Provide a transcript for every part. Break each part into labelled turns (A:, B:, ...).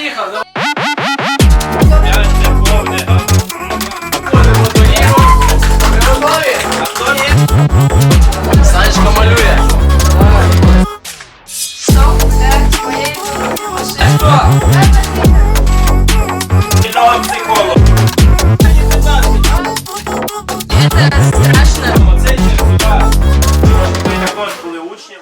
A: Поїхав! Санечка малює. Кіного психолог.
B: Это страшно.
A: Це черзива. Ми також були учнем.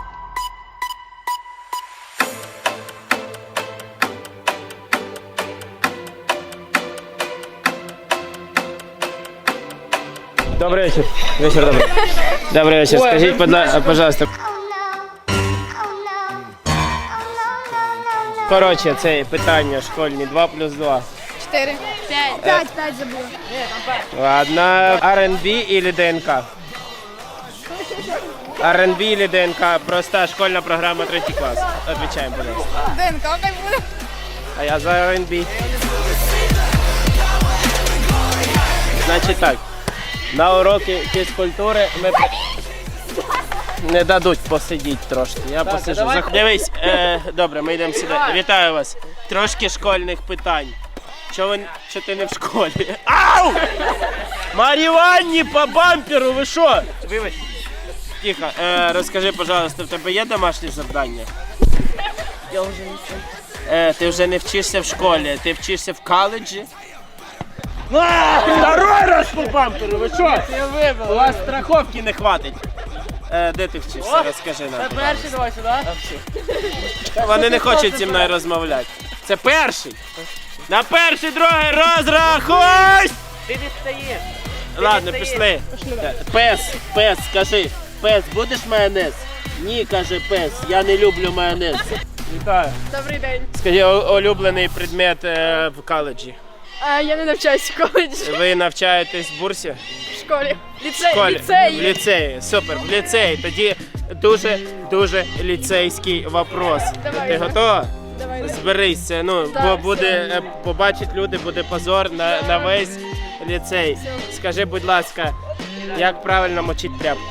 C: Добрый вечер. Вечер добрый. Добрый вечер. Скажите, пожалуйста. Короче, це питання школьні. 2 плюс 2.
B: 4. 5. 5 забула.
C: Ладно. R&B или ДНК? R&B или ДНК? Проста школьна програма 3 клас. Отвечаем, пожалуйста.
B: ДНК хай буде.
C: А я за R&B. Значить так. На уроки фізкультури ми не дадуть посидіти трошки. Я посиджу. Дивись, добре, ми йдемо сюди. Вітаю вас. Трошки школьних питань. Чого ти не в школі? Ау! Маріванні по бамперу, ви що? Вибач. Тихо, розкажи, пожалуйста, в тебе є домашнє завдання?
B: Я вже не вчу.
C: Ти вже не вчишся в школі, ти вчишся в коледжі? Второй раз по бамперу, ви що? У вас страховки не хватить. Де ти вчишся, розкажи нам.
D: Це перший давай сюди.
C: Вони не хочуть зі мною розмовляти. Це перший. На перший, другий розрахуйсь!
D: Ти не встаєш.
C: Ладно, пішли. Пес, скажи. Пес, будеш майонез? Ні, каже пес, я не люблю майонез. Вітаю.
B: Добрий день.
C: Скажи, улюблений предмет в коледжі.
B: Я не навчаюсь в коледжі.
C: Ви навчаєтесь в бурсі?
B: В школі.
C: В
B: Ліцеї.
C: ліцеї, супер, в ліцеї. Тоді дуже ліцейський вопрос.
B: Давай.
C: Ти готова?
B: Давай.
C: Зберися, ну,
B: Так,
C: бо буде,
B: все.
C: побачать люди, буде позор на весь ліцей. Скажи, будь ласка, як правильно мочити тряпку?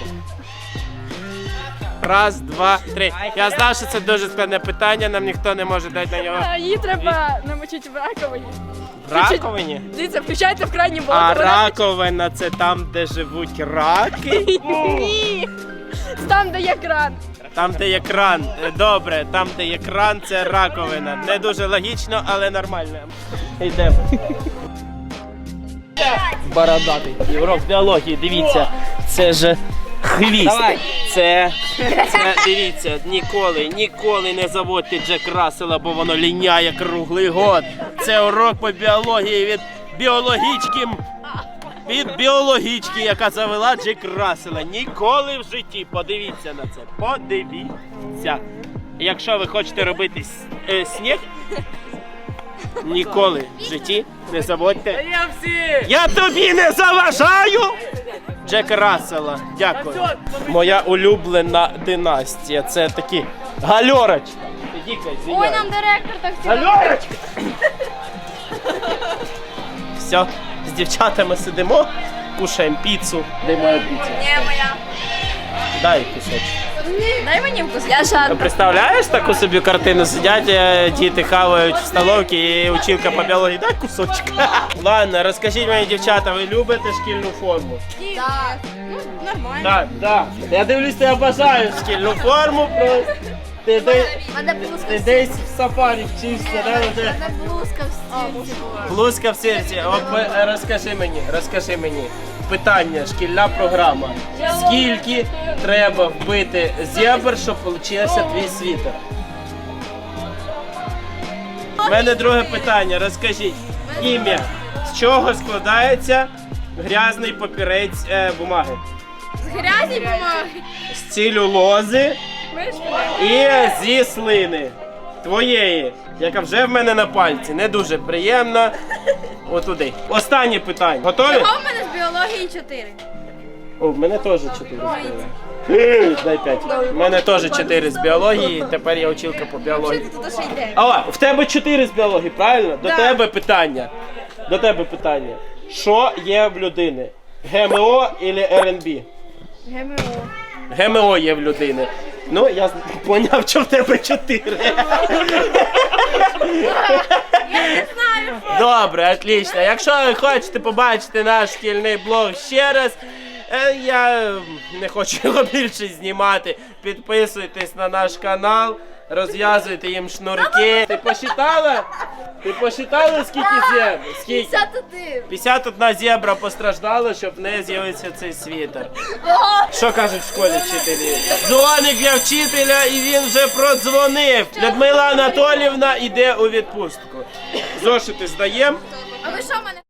C: Раз, два, три. Я знав, що це дуже складне питання, нам ніхто не може дати на нього.
B: Її треба намочити в раковині.
C: В раковині?
B: Дивіться, включайте в крайній блок.
C: А
B: вона-
C: раковина це там, де живуть раки?
B: Ні. Там, де є кран.
C: Там, де є кран. Добре, там, де є кран, це раковина. Не дуже логічно, але нормально. Йдемо. Бородатий. Урок біології, дивіться. Це ж хвіст.
D: Давай.
C: Це дивіться, ніколи не заводьте Джек Рассела, бо воно ліняє круглий год. Це урок по біології від біологічки, яка завела Джек Рассела. Ніколи в житті. Подивіться на це. Подивіться. Якщо ви хочете робити сніг, ніколи в житті не заводьте.
D: Я всі!
C: Я тобі не заважаю! Джека Рассела. Дякую. Моя улюблена династія. Це такі гальорочки.
B: Ой, нам директор так
C: Гальорочка! Все, з дівчатами сидимо, кушаємо піцу. Де моя піца?
B: Не моя.
C: Дай кусочок.
B: Дай мені вкус. Я жадна.
C: Представляєш таку собі картину? Сидять, діти хавають в столовці і училка по біології. Дай кусочок. Ладно, розкажіть мені, дівчата, ви любите шкільну форму?
B: Так. Ну, нормально.
C: Так. Я дивлюсь, ти обожаєш шкільну форму просто. Ти
B: Мене блузка
C: Ти десь в сафарі вчишся, да?
B: Мене блузка в стільці була.
C: Блузка в серці. Розкажи мені. Питання, шкільна програма. Скільки треба вбити зебр, щоб получився твій світер? У мене друге питання. Розкажіть. Ім'я. З чого складається грязний папірець бумаги?
B: З грязі бумаги.
C: З целюлози і зі слини. Твоєї, яка вже в мене на пальці. Не дуже приємно. Отуди. Останнє питання. Готові?
B: Чого в мене з біології 4?
C: О, в мене теж 4. Дай 5. У мене теж 4 з біології, тепер я училка по біології.
B: Що ти тут ще йде?
C: А, в тебе 4 з біології, правильно? До тебе питання. Що є в людини? ГМО або РНБ?
B: ГМО.
C: ГМО є в людини. Ну, я поняв, що в тебе 4. Добре, отлично. Якщо ви хочете побачити наш шкільний блог ще раз, я не хочу його більше знімати. Підписуйтесь на наш канал, розв'язуйте їм шнурки. Ти посчитала? Ти посчитала, скільки зебр? Скільки?
B: 51.
C: 51 зебра постраждала, щоб в неї з'явився цей світер. Що кажуть в школі вчителі? Дзвоник для вчителя, і він вже продзвонив. Людмила Анатоліївна йде у відпустку. Зошити здаємо.
B: А ви що мене?